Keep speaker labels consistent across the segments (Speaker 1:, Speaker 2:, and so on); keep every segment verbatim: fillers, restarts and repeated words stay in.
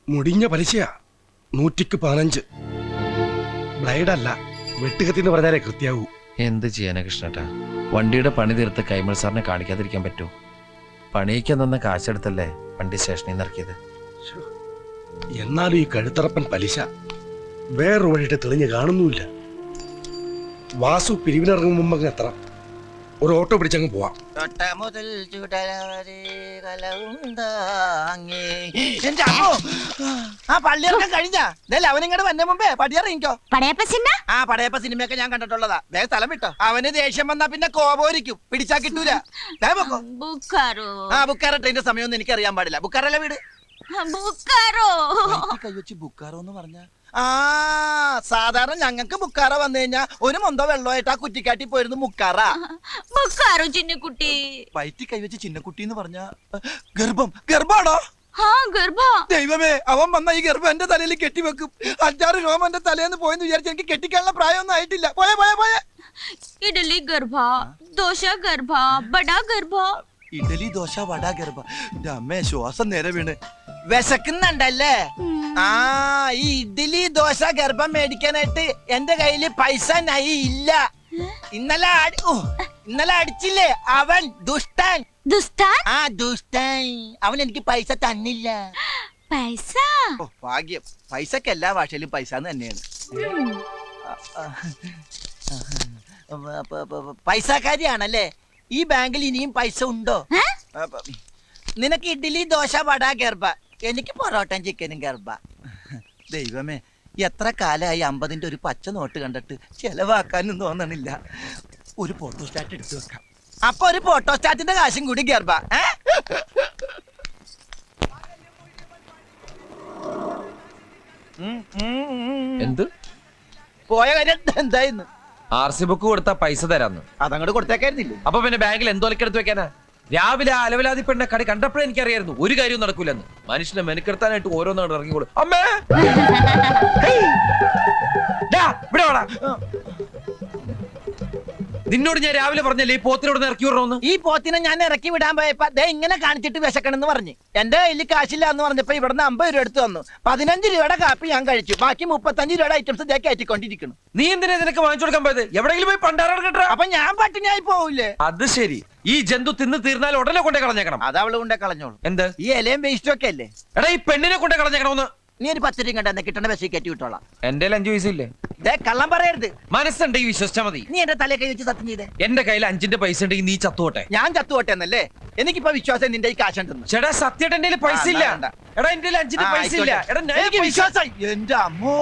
Speaker 1: മുടിഞ്ഞ പലിശയാ. നൂറ്റിക്ക് പതിനഞ്ച്. ബ്ലൈഡല്ല, വെട്ടുകത്തിന്ന് പറഞ്ഞാലേ കൃത്യാവൂ.
Speaker 2: എന്ത് ചെയ്യാനാ കൃഷ്ണേട്ടാ? വണ്ടിയുടെ പണി തീർത്ത് കൈമൾ സാറിനെ കാണിക്കാതിരിക്കാൻ പറ്റുമോ? പണിയിക്കാൻ തന്ന കാശെടുത്തല്ലേ വണ്ടി സ്റ്റേഷനിൽ നിന്ന് ഇറക്കിയത്.
Speaker 1: എന്നാലും ഈ കഴുത്തറപ്പൻ പലിശ വേറൊരു വഴിയിട്ട് തെളിഞ്ഞ് കാണുന്നുമില്ല. വാസു പിരിവിനിറങ്ങും മുമ്പ് എത്ര ഒരു ഓട്ടോ പിടിച്ചങ്ങ് പോവാം.
Speaker 3: ആ പള്ളിയിറക്കം കഴിഞ്ഞാ അവനിങ്ങോട്ട് വന്ന മുമ്പേ പടിയറിയിക്കോ.
Speaker 4: പടയപ്പ സിനിമ
Speaker 3: ആ പടയപ്പ സിനിമയൊക്കെ ഞാൻ കണ്ടിട്ടുള്ളതാ. വേഗം സ്ഥലം വിട്ടോ. അവന് ദേഷ്യം വന്നാ പിന്നെ കോപോരിക്കും, പിടിച്ചാ കിട്ടൂല. ആ ബുക്കാറോ ട്രെയിന്റെ സമയമൊന്നും എനിക്ക് അറിയാൻ പാടില്ല. ബുക്കാറല്ല വീട്. കൈവച്ച് ബുക്കാറോ എന്ന് പറഞ്ഞ ആ സാധാരണ ഞങ്ങൾക്ക് ബുക്കാറ വന്നു കഴിഞ്ഞാ ഒരു മൊന്തോ വെള്ളമായിട്ട് ആ കുറ്റിക്കാട്ടി പോയിരുന്നു മുക്കാറ.
Speaker 4: ബുക്കാറോ ചിന്നക്കുട്ടി.
Speaker 3: വയറ്റി കൈവച്ച് ചിന്നക്കുട്ടി എന്ന് പറഞ്ഞ ഗർഭം. ഗർഭാണോ? ദൈവമേ, അവൻ വന്ന ഈ ഗർഭം എന്റെ തലയിൽ കെട്ടിവെക്കും. അഞ്ചാറ് രോമം എന്റെ തലേന്ന് പോയെന്ന് വിചാരിച്ച് എനിക്ക് കെട്ടിക്കാനുള്ള പ്രായമൊന്നും ആയിട്ടില്ല. പോയെ പോയെ പോയെ
Speaker 4: ഇഡലി ഗർഭ, ദോശ ഗർഭ, ബടാ ഗർഭ.
Speaker 3: ഇഡലി ദോശ വട ഗർഭ. അമ്മേ ശ്വാസം നേരെ വീണ്. വിശക്കുന്നുണ്ടല്ലേ? ആ ഈ ഇഡ്ഡലി ദോശ ഗർഭം മേടിക്കാനായിട്ട് എന്റെ കയ്യില് പൈസ നൈ ഇല്ല. ഇന്നലെ ഇന്നലെ അടിച്ചില്ലേ അവൻ ദുഷ്ടൻ.
Speaker 4: ദുഷ്ടൻ?
Speaker 3: ആ ദുഷ്ടൻ. അവൻ എനിക്ക് പൈസ തന്നില്ല.
Speaker 4: പൈസ?
Speaker 3: ഓ ഭാഗ്യം. പൈസക്ക് എല്ലാ ഭാഷയിലും പൈസ തന്നെയാണ്. പൈസക്കാരിയാണല്ലേ? ഈ ബാങ്കിൽ ഇനിയും പൈസ ഉണ്ടോ? നിനക്ക് ഇഡ്ഡലി ദോശ വട ഗർഭ, എനിക്ക് പൊറോട്ടയും ചിക്കനും ഗർഭ. ദൈവമേ, എത്ര കാലമായി അമ്പതിന്റെ ഒരു പച്ച നോട്ട് കണ്ടിട്ട് ചെലവാക്കാനും തോന്നണില്ല. ഒരു ഫോട്ടോസ്റ്റാറ്റ് എടുത്തു വെക്കാം. അപ്പൊ ഒരു ഫോട്ടോസ്റ്റാറ്റിന്റെ കാശും കൂടി ഗർഭ.
Speaker 2: എന്ത്
Speaker 3: പോയ കാര്യം എന്തായിരുന്നു?
Speaker 2: ആർ സി ബുക്ക് കൊടുത്താ പൈസ തരാന്ന്.
Speaker 3: അതങ്ങോട്ട് കൊടുത്തേക്കായിരുന്നില്ലേ?
Speaker 2: അപ്പൊ പിന്നെ ബാങ്കിൽ എന്തോലക്കെടുത്ത് വെക്കാനാ? രാവിലെ അലവലാതി പെണ്ണ കടി കണ്ടപ്പോഴേ എനിക്കറിയായിരുന്നു ഒരു കാര്യവും നടക്കൂലെന്ന്. മനുഷ്യനെ മെനക്കെടുത്താനായിട്ട് ഓരോന്നാണ് ഇറങ്ങിക്കോളൂ. അമ്മേ ഇവിടെ വാടാ. നിന്നോട് ഞാൻ രാവിലെ പറഞ്ഞല്ലേ ഈ പോത്തിനോട് ഇറക്കി വിടണമെന്ന്.
Speaker 3: ഈ പോത്തിനെ ഞാൻ ഇറക്കി വിടാൻ പോയപ്പോ ദേ ഇങ്ങനെ കാണിച്ചിട്ട് വിശക്കണെന്ന് പറഞ്ഞു. എന്റെ കയ്യിൽ കാശില്ല എന്ന് പറഞ്ഞപ്പോ ഇവിടുന്ന് അമ്പത് രൂപ എടുത്തു വന്നു. പതിനഞ്ച് രൂപയുടെ കാപ്പി ഞാൻ കഴിച്ചു. ബാക്കി മുപ്പത്തഞ്ച് രൂപയുടെ ഐറ്റംസ് ഇതേ കയറ്റിക്കൊണ്ടിരിക്കുന്നു.
Speaker 2: നീ എന്തിനാ നിനക്ക് വാങ്ങിച്ചു കൊടുക്കാൻ പോയത്? എവിടെയെങ്കിലും പോയി പണ്ടാറാണ് കേട്ടോ.
Speaker 3: അപ്പൊ ഞാൻ പട്ടിണിയായി പോവില്ലേ?
Speaker 2: അത് ശരി. ഈ ജന്തു തിന്ന് തീർന്നാൽ ഉടനെ കൊണ്ടേ കളഞ്ഞേക്കണം.
Speaker 3: അത് അവള് കൊണ്ടേ കളഞ്ഞോളൂ.
Speaker 2: എന്ത്?
Speaker 3: ഈ ഇലയും വേസ്റ്റും ഒക്കെ അല്ലേ?
Speaker 2: എടാ ഈ പെണ്ണിനെ കൊണ്ടേ കളഞ്ഞേക്കണമെന്ന്.
Speaker 3: നീ ഒരു പത്ത് രൂപ കണ്ടെന്ന് കിട്ടണ ബസ്സിൽ കയറ്റി വിട്ടോളാം.
Speaker 2: എന്റെ അഞ്ചു പൈസ ഇല്ലേ?
Speaker 3: കള്ളം പറയരുത്.
Speaker 2: മനസ്സുണ്ടെങ്കിൽ വിശ്വസിച്ചാ മതി.
Speaker 3: നീ എന്റെ തലയെ കൈ വെച്ച് സത്യം ചെയ്തേ.
Speaker 2: എന്റെ കയ്യിൽ അഞ്ചിന്റെ പൈസ ഉണ്ടെങ്കിൽ നീ ചത്തുപോട്ടെ.
Speaker 3: ഞാൻ ചത്തുപോട്ടെ എന്നല്ലേ? എനിക്കിപ്പോ വിശ്വാസം നിന്റെ ഈ കാശുണ്ടെന്ന്.
Speaker 2: ചേട്ടാ സത്യമായിട്ട് എന്റെ പൈസ ഇല്ല. എടാ എന്റെ അഞ്ചിന്റെ പൈസ ഇല്ല. എടാ
Speaker 3: എനിക്ക് വിശ്വാസം. എന്റെ അമ്മോ,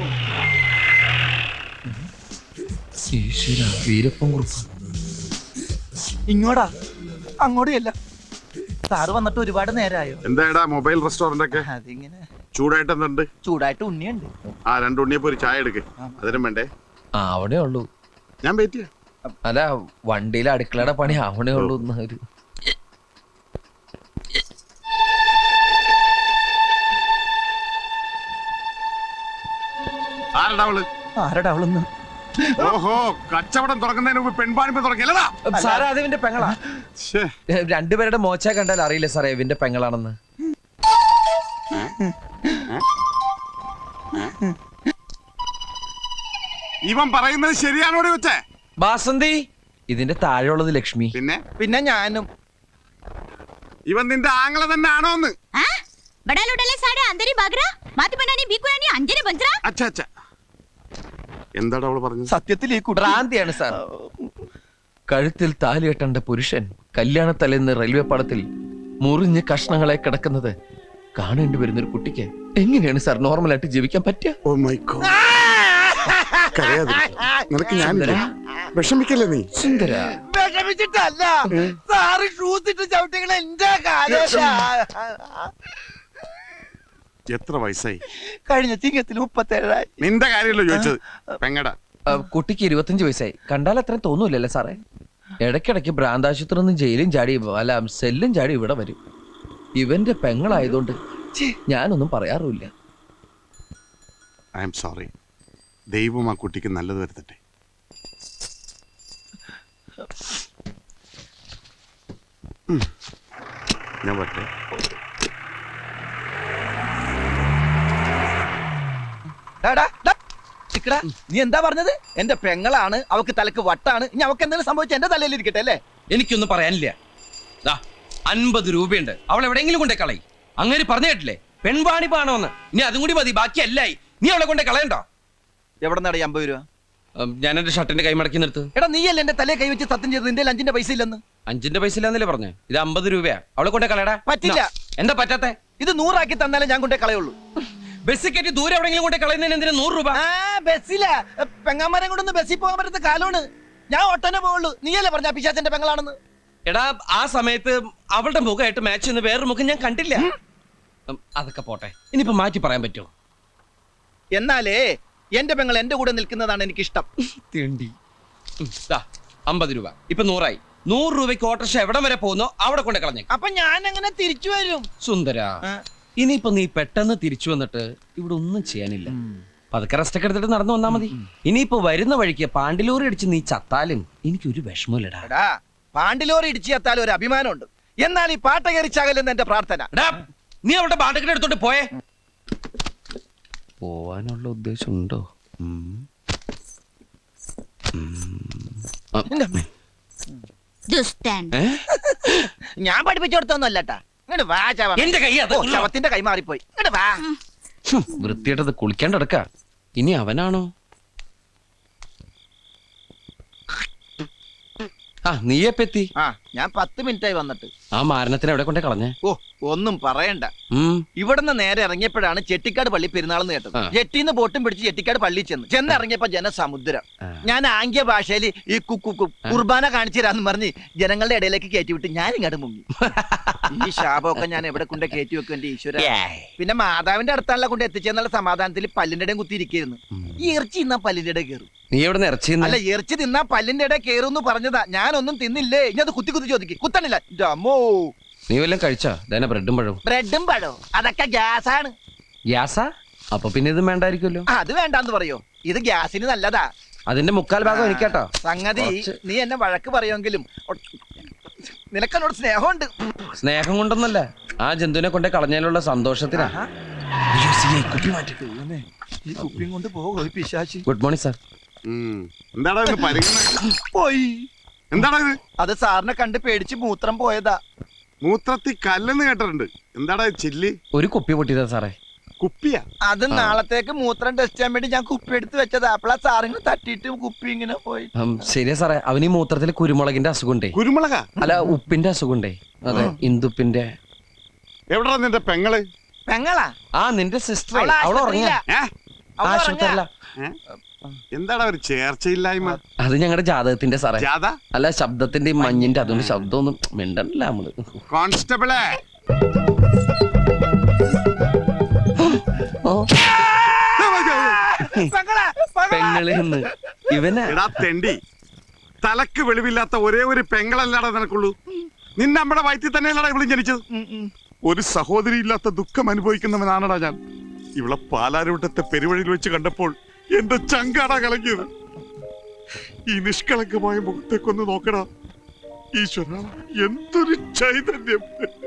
Speaker 3: ഇങ്ങോട്ടാ അങ്ങോട്ടും അല്ല. സാറ് വന്നിട്ട് ഒരുപാട് നേരമായോ?
Speaker 5: എന്താ മൊബൈൽ റെസ്റ്റോറന്റ് ഒക്കെ
Speaker 3: അതിങ്ങനെ
Speaker 5: ചൂടായിട്ട് എന്തുണ്ട്?
Speaker 3: ചൂടായിട്ട് ഉണ്ണിയുണ്ട്.
Speaker 5: ആ രണ്ട് ഉണ്ണിയപ്പോ ഒരു ചായ എടുക്ക്. അതിനും വേണ്ടേ?
Speaker 2: ആ അവിടെ ഉള്ളൂ.
Speaker 5: ഞാൻ വെയിറ്റ് ചെയ്യാം.
Speaker 2: അല്ല വണ്ടിയിലെ അടുക്കളയുടെ പണി അവിടെ ഉള്ളൂ. ഒരു
Speaker 5: ആരടാ അവള്?
Speaker 3: ആരടാ അവളൊന്ന്?
Speaker 5: ഓഹോ, കച്ചവടം തുറക്കുന്നതിന് മുമ്പ് പെൺപാണിപ്പ് തുറക്കില്ലടാ.
Speaker 2: സാറേ അത് ഇവന്റെ പെങ്ങളാ. രണ്ടുപേരുടെ മോച്ച കണ്ടാൽ അറിയില്ല സാറേ ഇവന്റെ പെങ്ങളാണെന്ന്.
Speaker 5: ഇവൻ പറയുന്നത് ശരിയാണോടെ വെച്ചേ?
Speaker 2: ബാസന്തി ഇതിന്റെ താഴെയുള്ളത് ലക്ഷ്മി.
Speaker 5: പിന്നെ
Speaker 3: പിന്നെ ഞാനും.
Speaker 5: ഇവൻ നിന്റെ ആങ്ങളെ തന്നെ ആണോന്ന്? എന്താടാ അവള് പറഞ്ഞത്?
Speaker 3: സത്യത്തിൽ ഈ
Speaker 2: ഭ്രാന്തിയാണ് സാർ. കഴുത്തിൽ താലി കെട്ടേണ്ട പുരുഷൻ കല്യാണത്തലേന്ന് റെയിൽവേ പാളത്തിൽ മുറിഞ്ഞ് കഷ്ണങ്ങളെ കിടക്കുന്നത് കാണേണ്ടി വരുന്ന ഒരു കുട്ടിക്ക് എങ്ങനെയാണ് സാർ നോർമലായിട്ട് ജീവിക്കാൻ പറ്റുക?
Speaker 5: Oh my God. നിനക്ക് ഞാനില്ല, വിഷമിക്കല്ലേ നീ.
Speaker 2: സുന്ദര
Speaker 3: വിഷമിച്ചിട്ടല്ല സാറ് ഷൂസ് ഇട്ട് ചവിട്ടികളെ എന്റെ കാലം.
Speaker 5: എത്ര വയസ്സായി?
Speaker 3: കഴിഞ്ഞ ചിങ്ങത്തിൽ മുപ്പത്തേഴായി.
Speaker 5: നിന്റെ കാര്യമല്ലോ ചോദിച്ചത്. പെങ്ങടാ.
Speaker 2: കുട്ടിക്ക് ഇരുപത്തഞ്ച് വയസ്സായി. കണ്ടാൽ അത്രയും തോന്നൂലല്ലേ സാറേ? ഇടയ്ക്കിടയ്ക്ക് ഭ്രാന്താശുപത്രി നിന്ന് ജയിലും ചാടി അല്ല സെല്ലും ചാടി ഇവിടെ വരും. ഇവന്റെ പെങ്ങളായതുകൊണ്ട് ഞാനൊന്നും പറയാറുമില്ല.
Speaker 5: I am sorry. ദൈവം ആ കുട്ടിക്ക് നല്ലത് വരുത്തട്ടെ. ഞാൻ പറ്റേ
Speaker 3: ഡാ, ഡാ, ചിക്കടാ, നീ എന്താ പറഞ്ഞത്? എന്റെ പെങ്ങളാണ്, അവക്ക് തലക്ക് വട്ടാണ്, ഇനി അവക്ക് എന്തെങ്കിലും സംഭവിച്ച എന്റെ തലയിൽ ഇരിക്കട്ടെ അല്ലേ?
Speaker 2: എനിക്കൊന്നും പറയാനില്ല. ദാ അൻപത് രൂപയുണ്ട്, അവൾ എവിടെയെങ്കിലും കൊണ്ടേ കളയി. അങ്ങനെ പറഞ്ഞു കേട്ടില്ലേ, പെൺവാണിപ്പാണോന്ന്. ഇനി അതും കൂടി മതി, ബാക്കി എല്ലായി. നീ അവളെ കൊണ്ടേ കളയണ്ടോ?
Speaker 3: എവിടെ നിന്നാണ് ഈ അമ്പത് രൂപ?
Speaker 2: ഉം, ഞാൻ എന്റെ ഷർട്ടിന്റെ കൈ മടക്കി നിർത്ത്.
Speaker 3: എടാ നീയല്ലേ എന്റെ തലയെ കൈവച്ച് സത്യം ചെയ്ത് നിന്റെ അഞ്ചിന്റെ പൈസ ഇല്ലെന്ന്?
Speaker 2: അഞ്ചിന്റെ പൈസ ഇല്ലാന്നല്ലേ പറഞ്ഞേ? ഇത് അമ്പത് രൂപയാ, അവളെ കൊണ്ടേ കളയടാ.
Speaker 3: പറ്റില്ല.
Speaker 2: എന്താ പറ്റാത്തെ?
Speaker 3: ഇത് നൂറാക്കി തന്നാലേ ഞാൻ കൊണ്ടേ കളയുള്ളൂ.
Speaker 2: ബസ് കയറ്റി ദൂരെ എവിടെയെങ്കിലും കൊണ്ടേ കളയുന്നതിന് എന്തിനാ നൂറ് രൂപ?
Speaker 3: ആ ബസ്സില പെങ്ങാമരം കൊണ്ടൊന്ന് ബസ്സിൽ പോകാൻ പറ്റുന്ന കാലമാണ്. ഞാൻ ഒട്ടനെ പോവുള്ളൂ. നീയല്ലേ പറഞ്ഞ പിശാചന്റെ പെങ്ങളാണെന്ന്?
Speaker 2: എടാ ആ സമയത്ത് അവളുടെ മുഖമായിട്ട് മാച്ച് ചെയ്യുന്ന വേറൊരു മുഖം ഞാൻ കണ്ടില്ല. ഉം, അതൊക്കെ പോട്ടെ, ഇനിയിപ്പോ മാറ്റി പറയാൻ പറ്റുമോ?
Speaker 3: എന്നാലേ എന്റെ പെങ്ങൾ എന്റെ കൂടെ നിൽക്കുന്നതാണ് എനിക്കിഷ്ടം.
Speaker 2: തിണ്ടി. ഉം, ദാ അമ്പത് രൂപ ഇപ്പൊ നൂറായി. നൂറ് രൂപയ്ക്ക് ഓട്ടർഷ എവിടെ വരെ പോകുന്നോ അവിടെ കൊണ്ട് കളഞ്ഞേ.
Speaker 3: അപ്പൊ ഞാൻ എങ്ങനെ തിരിച്ചു വരും?
Speaker 2: സുന്ദര, ഇനിയിപ്പോ നീ പെട്ടെന്ന് തിരിച്ചു വന്നിട്ട് ഇവിടെ ഒന്നും ചെയ്യാനില്ല. പതുക്കെ റെസ്റ്റ് ഒക്കെ എടുത്തിട്ട് നടന്നു വന്നാ മതി. ഇനിയിപ്പോ വരുന്ന വഴിക്ക് പാണ്ടിലോറി അടിച്ച് നീ ചത്താലും എനിക്കൊരു വിഷമമില്ലടാ.
Speaker 3: എടാ പാണ്ടിലോറി ഇടിച്ചു ചത്താൽ ഒരു അഭിമാനമുണ്ട്. എന്നാൽ ഈ പാട്ട കയറിച്ചാകലെന്ന് എന്റെ പ്രാർത്ഥന.
Speaker 2: എടാ, നീ അവളുടെ പാട്ടൊക്കെ എടുത്തോണ്ട് പോയേ. പോവാനുള്ള ഉദ്ദേശം ഉണ്ടോ?
Speaker 4: ദുഷ്ടൻ.
Speaker 3: ഞാൻ പഠിപ്പിച്ചു കൊടുത്തൊന്നും അല്ലട്ടാ. ഇങ്ങോട്ട് വാ ചവ.
Speaker 2: എന്റെ കൈ അത്.
Speaker 3: ഓ, ശവത്തിന്റെ കൈ മാറിപ്പോയി. ഇങ്ങോട്ട് വാ.
Speaker 2: വൃത്തിയായിട്ടത് കുളിക്കാണ്ടടക്ക. ഇനി അവനാണോ? ആ നീയെപ്പെത്തി?
Speaker 3: ആ ഞാൻ പത്ത് മിനിറ്റായി വന്നിട്ട്.
Speaker 2: ആ മാരണത്തിന് എവിടെ കൊണ്ടേ കളഞ്ഞേ?
Speaker 3: ഓ ഒന്നും പറയണ്ട.
Speaker 2: ഉം
Speaker 3: ഇവിടുന്ന് നേരെ ഇറങ്ങിയപ്പോഴാണ് ചെട്ടിക്കാട് പള്ളി പെരുന്നാളെന്ന് കേട്ടത്.
Speaker 2: ആ.
Speaker 3: ജെട്ടിന്ന് ബോട്ടും പിടിച്ച് ചെട്ടിക്കാട് പള്ളി ചെന്ന് ചെന്നിറങ്ങിയപ്പോ ജനസമുദ്രം.
Speaker 2: ആ.
Speaker 3: ഞാൻ ആംഗ്യ ഭാഷയിൽ ഈ കുക്കു കുർബാന കാണിച്ചു തരാന്ന് പറഞ്ഞ് ജനങ്ങളുടെ ഇടയിലേക്ക് കയറ്റി വിട്ട് ഞാൻ ഇങ്ങോട്ട് മുങ്ങി. ഈ ശാപമൊക്കെ ഞാൻ എവിടെ കൊണ്ട് കയറ്റി വെക്കും എന്റെ ഈശ്വര. പിന്നെ മാതാവിന്റെ അടുത്താണല്ലോ കൊണ്ട് എത്തിച്ചെന്നുള്ള സമാധാനത്തിൽ പല്ലിന്റെ ഇടയും കുത്തിയിരിക്കുന്നു. ഈ ഇറച്ചി തിന്നാ പല്ലിന്റെ ഇടയിൽ കയറും.
Speaker 2: നീ എവിടെ ഇറച്ചി?
Speaker 3: അല്ല ഇറച്ചി തിന്നാ പല്ലിന്റെ ഇടയിൽ കയറും പറഞ്ഞതാ. ഞാനൊന്നും തിന്നില്ലേ. ഇനി അത് കുത്തി കുത്തി ചോദിക്കും. കുത്തണില്ല. അമ്മോ
Speaker 2: നീ വല്ലതും കഴിച്ചാ? ഇതന്നെ ബ്രെഡും പഴവും.
Speaker 3: ബ്രെഡും പഴവും അതൊക്കെ ഗ്യാസാണ്.
Speaker 2: ഗ്യാസാ? അപ്പൊ പിന്നെ ഇത് വേണ്ടായിരിക്കുമല്ലോ.
Speaker 3: അത് വേണ്ടാന്ന് പറയോ? ഇത് ഗ്യാസിന് നല്ലതാ.
Speaker 2: അതിന്റെ മുക്കാൽ ഭാഗം എനിക്കാട്ടോ.
Speaker 3: സംഗതി
Speaker 2: കുറച്ച്.
Speaker 3: നീ എന്നെ വഴക്ക് പറയുമെങ്കിലും നിനക്കെന്നോട് സ്നേഹമുണ്ട്.
Speaker 2: സ്നേഹം കൊണ്ടൊന്നല്ല, ആ ജന്തുവിനെ കൊണ്ടേ കളഞ്ഞതിലുള്ള സന്തോഷത്തിനാ.
Speaker 3: ഈ കുപ്പിയും കൊണ്ട് പോകും പിശാചി.
Speaker 2: Good morning sir.
Speaker 5: ഉം. എന്താടാ ഇത് പരിഗണന?
Speaker 3: പോയി.
Speaker 5: എന്താടാ ഇത്?
Speaker 3: അത് സാറിനെ കണ്ട് പേടിച്ച് മൂത്രം പോയതാ.
Speaker 5: മൂത്രത്തി കല്ലെന്ന് കേട്ടിട്ടുണ്ട്. എന്താടാ ഇത് ചില്ലി?
Speaker 2: ഒരു കുപ്പി പൊട്ടിയതാ സാറേ.
Speaker 5: കുപ്പിയാ?
Speaker 3: അത് നാളത്തേക്ക് മൂത്രം ടെസ്റ്റ് ചെയ്യാൻ വേണ്ടി ഞാൻ കുപ്പി എടുത്ത് വെച്ചതാ. അപ്പളാ സാറിന് തട്ടിയിട്ട് കുപ്പി ഇങ്ങനെ പോയി.
Speaker 2: ഉം, ശരിയാ സാറേ, അവന് ഈ മൂത്രത്തിൽ കുരുമുളകിന്റെ അസുഖമുണ്ടേ.
Speaker 5: കുരുമുളകാ?
Speaker 2: അല്ല ഉപ്പിന്റെ അസുഖമുണ്ടേ. അതെ, ഇന്ദുപ്പിന്റെ.
Speaker 5: എവിടാ നിന്റെ പെങ്ങള്?
Speaker 3: പെങ്ങളാ?
Speaker 2: ആ നിന്റെ സിസ്റ്റർ.
Speaker 3: അവള്
Speaker 2: അവൾ ഉറങ്ങിയ
Speaker 3: ആശുപത്രിയിലാ.
Speaker 5: ഏ?
Speaker 3: അവള്
Speaker 2: ആശുപത്രിയല്ല.
Speaker 5: ഏ? എന്താടാ ഒരു ചേർച്ചയില്ലായ്മ?
Speaker 2: അത് ഞങ്ങളുടെ ജാതകത്തിന്റെ സാറേ.
Speaker 5: ജാഥ?
Speaker 2: അല്ല ശബ്ദത്തിന്റെ ഈ മഞ്ഞിന്റെ, അതുകൊണ്ട് ശബ്ദമൊന്നും മിണ്ടല്ല നമ്മള്.
Speaker 5: കോൺസ്റ്റബിളെ
Speaker 2: ഓ,
Speaker 3: പെങ്ങളാ, പെങ്ങളാ.
Speaker 2: പെങ്ങളിന്ന് ഇവനാ.
Speaker 5: എടാ തെണ്ടി, തലക്ക് വെളിവില്ലാത്ത ഒരേ ഒരു പെങ്ങളല്ലാടാ നിനക്കുള്ളൂ. നിന്നെ നമ്മുടെ വയറ്റിൽ തന്നെയല്ലടാ ഇവളും ജനിച്ചത്. ഒരു സഹോദരി ഇല്ലാത്ത ദുഃഖം അനുഭവിക്കുന്നവനാണടാ ഞാൻ. ഇവളെ പാലാരൂട്ടത്തെ പെരുവഴിയിൽ വെച്ച് കണ്ടപ്പോൾ എന്റെ ചങ്കാടാ കലങ്ങിയത്. ഈ നിഷ്കളങ്കമായ മുഖത്തേക്കൊന്ന് നോക്കടാ ഈശ്വര, എന്തൊരു ചൈതന്യം.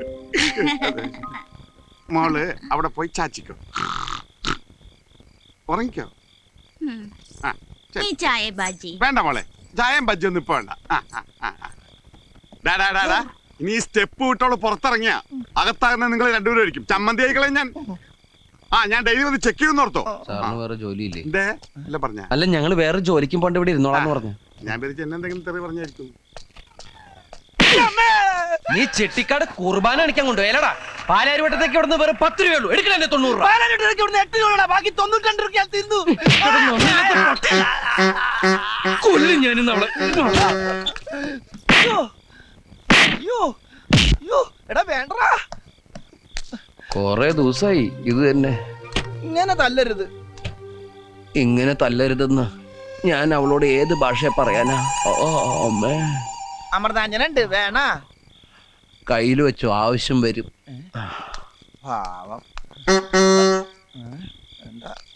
Speaker 5: മോള് അവിടെ പോയി ചാച്ചിക്കോ, ഉറങ്ങിക്കോ. ആ ശരി.
Speaker 4: നീ ചായ ബാജി.
Speaker 5: വേണ്ട മോളെ, ചായം ബജ്ജൊന്നും ഇപ്പൊ വേണ്ട. ആ, ആ, ആ, ആ. ഡാ, ഡാ, ഡാ, ഡാ. ഇനി ഈ സ്റ്റെപ്പ് വിട്ടോളൂ പുറത്തിറങ്ങിയ അകത്താകുന്ന നിങ്ങൾ രണ്ടുപേരും ആയിരിക്കും. ചമ്മന്തി ആയിക്കളെ ഞാൻ. ആ ഞാൻ ഡെയിലി വന്ന് ചെക്ക് ചെയ്യുന്ന ഓർത്തോ.
Speaker 2: സാറിന് വേറെ ജോലിയില്ലേ?
Speaker 5: എന്തേ അല്ല പറഞ്ഞ?
Speaker 2: അല്ല ഞങ്ങള് വേറെ ജോലിക്കും പോണ്ട് ഇവിടെ ഇരുന്നോളാന്ന് പറഞ്ഞു.
Speaker 5: ഞാൻ പേരിച്ച് എന്നെ എന്തെങ്കിലും തെറി പറഞ്ഞായിരിക്കും.
Speaker 2: നീ ചെട്ടിക്കാട് കുർബാന അടിക്കാൻ കൊണ്ടുപോയല്ലടാ. പാലാരിവട്ടത്തേക്ക് ഇവിടുന്ന് വേറെ പത്ത് രൂപയുള്ളൂ. എടുക്കണേ തൊണ്ണൂറ് രൂപ.
Speaker 3: പാലാരിവട്ടത്തേക്ക് ഇവിടുന്ന് എട്ട് രൂപ, ബാക്കി തൊണ്ണൂറ്റി രണ്ട് രൂപ തിന്നു.
Speaker 2: കൊല്ലും ഞാനിന്ന് അവളെ.
Speaker 3: അയ്യോ, അയ്യോ, അയ്യോ, എടാ വേണ്ടടാ.
Speaker 2: കൊറേ ദിവസായി ഇത് തന്നെ.
Speaker 3: ഇങ്ങനെ തല്ലരുത്.
Speaker 2: ഇങ്ങനെ തല്ലരുതെന്ന് ഞാൻ അവളോട് ഏത് ഭാഷയെ പറയാനാ? ഓ അമ്മേ,
Speaker 3: അമൃതാഞ്ജനുണ്ട് വേണ.
Speaker 2: കയ്യിൽ വെച്ചു, ആവശ്യം വരും.
Speaker 3: പാവം. എന്താ